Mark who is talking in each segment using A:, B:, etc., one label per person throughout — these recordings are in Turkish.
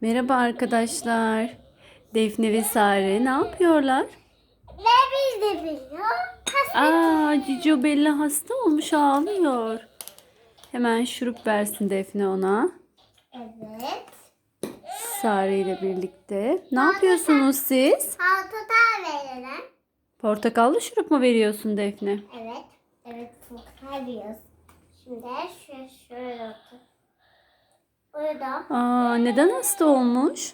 A: Merhaba arkadaşlar. Defne ve Sare ne yapıyorlar?
B: Ne biz de biliyor.
A: Cicio Bella hasta olmuş, ağlıyor. Hemen şurup versin Defne ona.
B: Evet.
A: Sare ile birlikte. Ne yapıyorsunuz siz?
B: Salata verelim.
A: Portakallı şurup mu veriyorsun Defne?
B: Evet. Evet. Salata veriyoruz. Şimdi şöyle otur. Burada.
A: Neden hasta olmuş?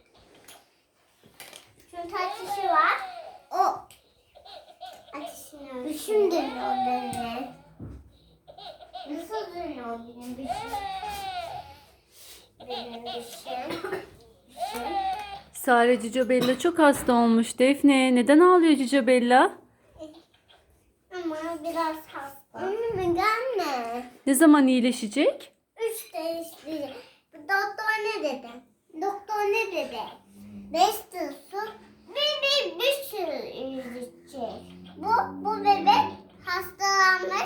B: Çünkü ateşi var. O. Ateşini ölçüyor. Düşüm dönüyor beni. Nasıl dönüyor benim düşüm? Benim düşüm.
A: Sare, Cicio Bella çok hasta olmuş Defne. Neden ağlıyor Cicio Bella?
B: Ama biraz hasta. Anne gelme.
A: Ne zaman iyileşecek?
B: 3 değişti. Doktor ne dedi? Doktor ne dedi? 5 tılsım bir sürü izleyecek. Bu bebek hastalanmış.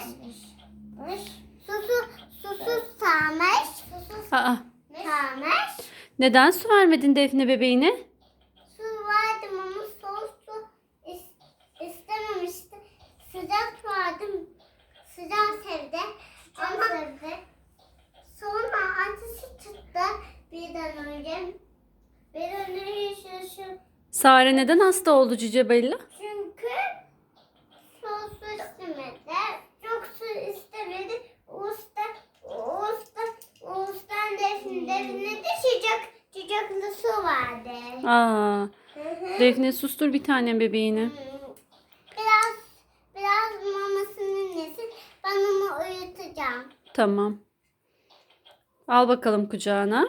B: Susuz sağmış. Sağmış.
A: Neden su vermedin Defne bebeğine?
B: Su verdim ama soğuk su istememişti. Sıcak verdim. Sıcak sevdi. Ama sevdi. Sonra ateşi çıktı birden önce. Bir önce şu.
A: Sare neden hasta oldu Cicio Bella?
B: Çünkü soğuk su istemedi. Çok su istemedi. Uğuz'dan defne de sıcaklı su vardı.
A: Defne sustur bir tanem bebeğini.
B: Biraz mamasını yesin. Ben onu uyutacağım.
A: Tamam. Al bakalım kucağına.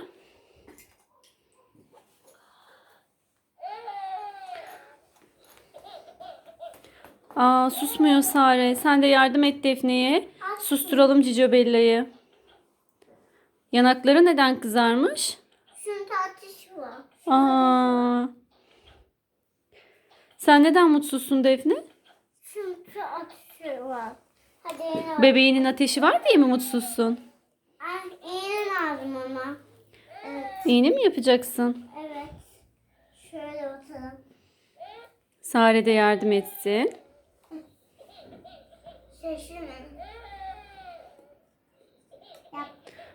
A: Susmuyor Sare. Sen de yardım et Defne'ye. Susturalım Cicio Bella'yı. Yanakları neden kızarmış?
B: Çünkü ateşi var.
A: Sen neden mutsuzsun Defne?
B: Çünkü ateşi var. Hadi yine
A: Bebeğinin ateşi var diye mi mutsuzsun?
B: iğne lazım ama. Evet.
A: İğne mi yapacaksın?
B: Evet. Şöyle oturalım.
A: Sare de yardım etsin.
B: Şaşırma. Yap.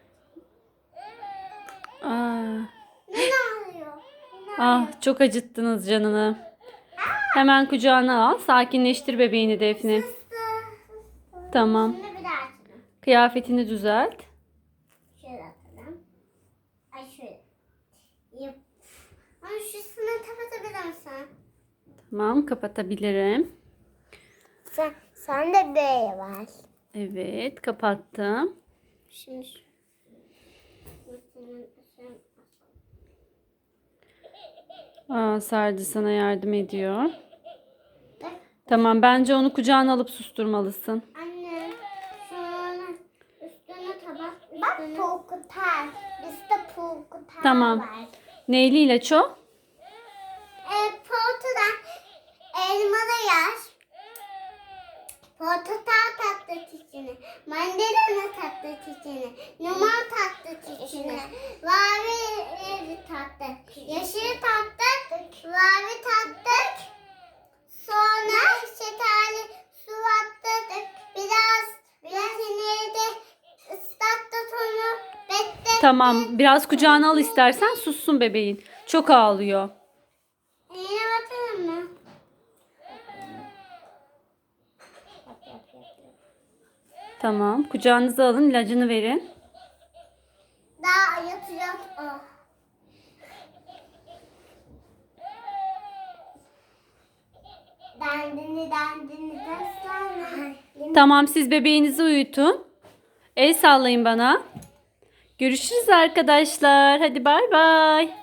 B: Ne ağrıyor?
A: Çok acıttınız canını. Hemen kucağına al. Sakinleştir bebeğini Defne. Tamam.
B: Şimdi bir daha açalım.
A: Kıyafetini düzelt.
B: Şöyle atalım. Ay şöyle. Yap. Ay şusunu kapatabilir misin?
A: Tamam, kapatabilirim.
B: Sen de böyle var.
A: Evet, kapattım.
B: Şimdi
A: Sardı sana yardım ediyor. Tamam, bence onu kucağına alıp susturmalısın.
B: anne şöyle üstüne tabak üstüne. Bak pulkutar. Bizde pulkutar
A: Tamam.
B: var.
A: Neyli ilaç o?
B: Portadan elmalı yaş. Portakal tatlı çiçeğini, mandalina tatlı çiçeğini, limon tatlı çiçeğini, mavi tatlı, yeşil tatlı, mavi tatlı, sonra şekerli su attık, biraz ineride ıslattık onu, beklettik.
A: Tamam, biraz kucağına al istersen, sussun bebeğin. Çok ağlıyor.
B: Yine bakalım mı?
A: Tamam, kucağınıza alın, ilacını verin.
B: Daha yatacak o. Dandini daslanma.
A: Tamam, siz bebeğinizi uyutun. El sallayın bana. Görüşürüz arkadaşlar. Hadi bay bay.